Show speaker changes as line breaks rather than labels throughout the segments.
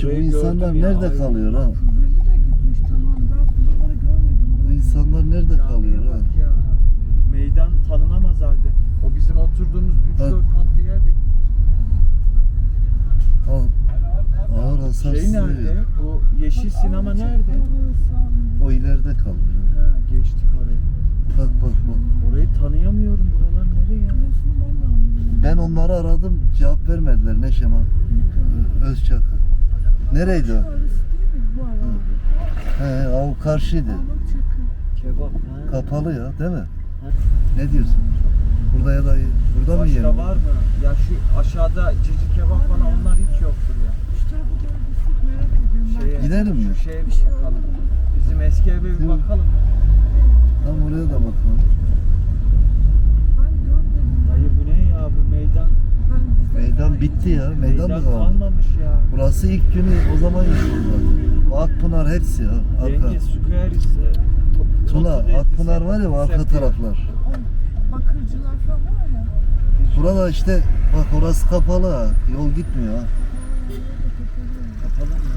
Kardeşim bu
Burayı
insanlar
gördüm ya,
nerede
ay.
kalıyor ha?
Kuzeli de gitmiş tamam. Ben buraları görmedim.
Bu insanlar nerede kalıyor
Camiye
ha?
bak ya. Meydan tanınamaz halde. O bizim oturduğumuz 3-4 katlı yerde.
Al. Ağır hasar
Şey nerede?
sızıyor.
Bu yeşil sinema nerede?
O ileride kalıyor.
Ha, geçtik orayı.
Bak bak bak.
Orayı tanıyamıyorum. Buralar nereye ya?
Burasını ben de anlıyorum.
Ben onları aradım, cevap vermediler Neşema. Özçakır. Nereydi o?
Şu arası değil mi bu arada?
He, o karşıydı.
Parmak çakı.
Kebap. Ha.
Kapalı ya, değil mi? Ne diyorsun? Burada ya da burada mı
Başka
yiyelim?
var mı? Ya şu aşağıda cici kebap falan onlar hiç yoktur ya.
Şu tarafa doğru gitsek merak ediyorum.
Şeye,
Gidelim mi?
Şu şeye bir bakalım. Bizim eski eve bir
Değil mi?
bakalım.
Tam oraya da bakalım.
Ben görmedim.
Dayı bu ne ya bu meydan?
Meydan bitti ya. Meydan mı kaldı?
kalmamış ya.
Burası ilk günü o zaman yıkıldı. Bu Akpınar hepsi ya. Arka.
Yenge Squares.
Tuna, Akpınar var ya bu arka taraflar.
Bakırcılar falan var ya.
Burada işte bak orası kapalı ha. Yol gitmiyor ha.
Kapalı mı?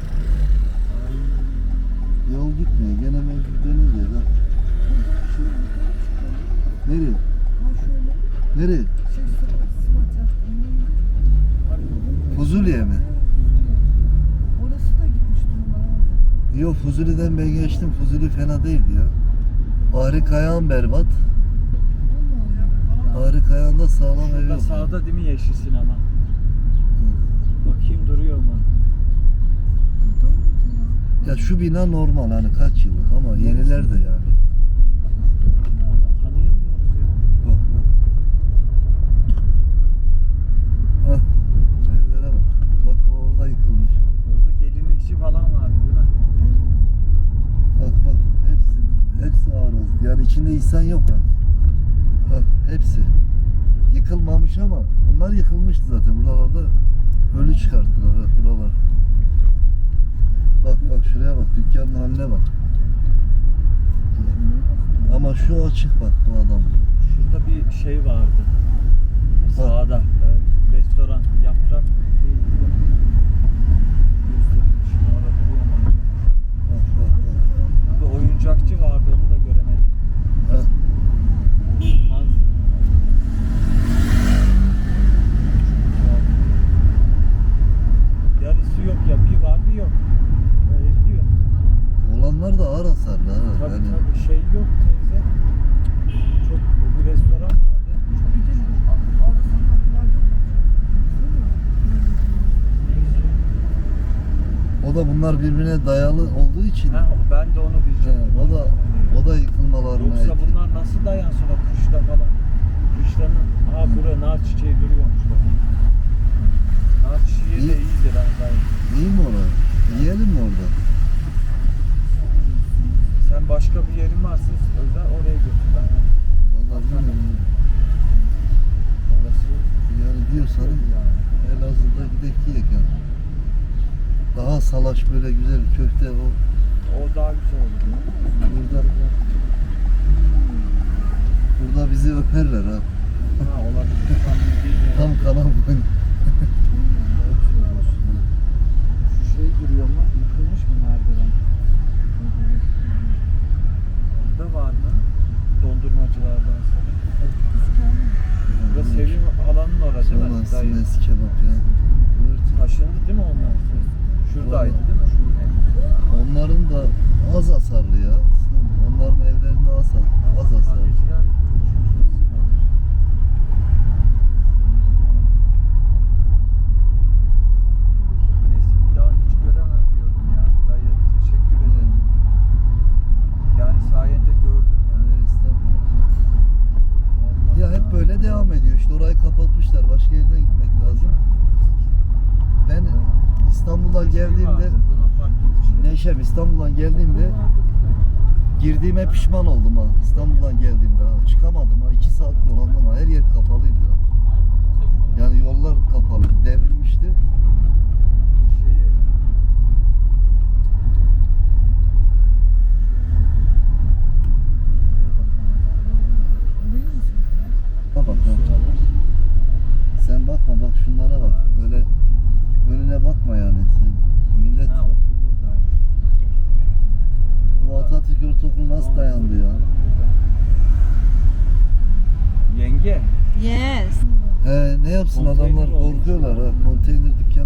Yol gitmiyor. Gene mevcut döneceğiz ha. Nereye?
Ha şöyle
Nereye?
Sıvat yaptım.
Fuzuli'ye mi?
Orası da gitmiş durumlar.
Yok Fuzuli'den ben geçtim. Fuzuli fena değildi ya. Ağrı Kayağın berbat. Ağrı Kayağı'nda sağlam ev
Burada
yok.
sağda değil mi yeşil sinema? Bakayım duruyor mu?
Ya şu bina normal hani kaç yıllık ama yeniler de yani.
Tanıyamıyoruz ya.
Bak bak. Hah. Evlere bak. Bak o orada yıkılmış.
Orada gelinlikçi falan vardı değil mi?
Bak bak hepsi arız. Yani içinde insan yok ha. Bak hepsi. Yıkılmamış ama bunlar yıkılmıştı zaten. Buralarda ölü çıkarttılar ha buralar. Bak bak şuraya bak dükkanın haline bak. Ama şu açık bak bu adam.
Şurada bir şey vardı. Sağda. Restoran. Yaprak. Gösterilmiş. Orada duruyor mu acaba?
Bak bak bak.
Burada oyuncakçı vardı onu da göremedim.
Ha.
Yarısı yok ya. Bir var bir yok. Öyle gidiyor.
Olanlar da ağır hasarlı ha.
Tabii
Yani
tabii şey yok teyze. Çok bir restoran vardı.
Bir de arka sokaklarda
o da bunlar birbirine dayalı olduğu için
Ha, ben de onu diyeceğim.
o da yıkılmalarına
Yoksa
etkili.
bunlar nasıl dayansın o kışta falan? Kışların buraya nar çiçeği duruyormuş bak. Nar çiçeği de
İyi.
iyidir ha gayet.
İyi mi orada? Yiyelim mi orada?
Sen başka bir yerin varsa özel oraya götür. Ben
Vallahi bilmiyorum.
orası
Yani diyorsan
yani.
Elazığ'da gidek yiyek yani. Daha salaş böyle güzel köfte o
O daha güzel olur.
burada bizi öperler ha.
Ha olabilir. Tam bildiğin yer.
Tam kanal boyun.
Doğru söylüyorsun. Şu şey duruyor mu? Yıkılmış mı merdiven? Burada var mı? Dondurmacılardan sonra. Burada Sevim halanın orası değil mi?
Sonrası
Dayı.
mes kebap ya.
Taşındı değil mi onlar? Şuradaydı değil mi? Şurada.
Onların da az hasarlı ya. Onların evlerinde az hasarlı.
Kahveciler neyse bir daha hiç göremem diyordum ya. Dayı teşekkür ederim. Yani sayende gördüm yani.
Evet, estağfurullah.
Vallahi
Ya hep böyle devam ediyor. İşte orayı kapatmışlar. Başka yerine gitmek lazım. Ben İstanbul'a
Bir şey
geldiğimde
vardı, Luna Park gibi bir şey.
Neşem İstanbul'dan geldiğimde girdiğime pişman oldum ha. İstanbul'dan geldiğimde ha. Çıkamadım ha. 2 saat dolandım ha. Her yer kapalıydı ha. Yani yollar kapalı. Devrilmişti.
Şeyi
Bak bak. Sen bakma bak şunlara bak. Böyle önüne bakma yani. Sen millet yapsın
Konteyner
adamlar
olmuş
korkuyorlar
ya.
ha. Konteyner dükkanı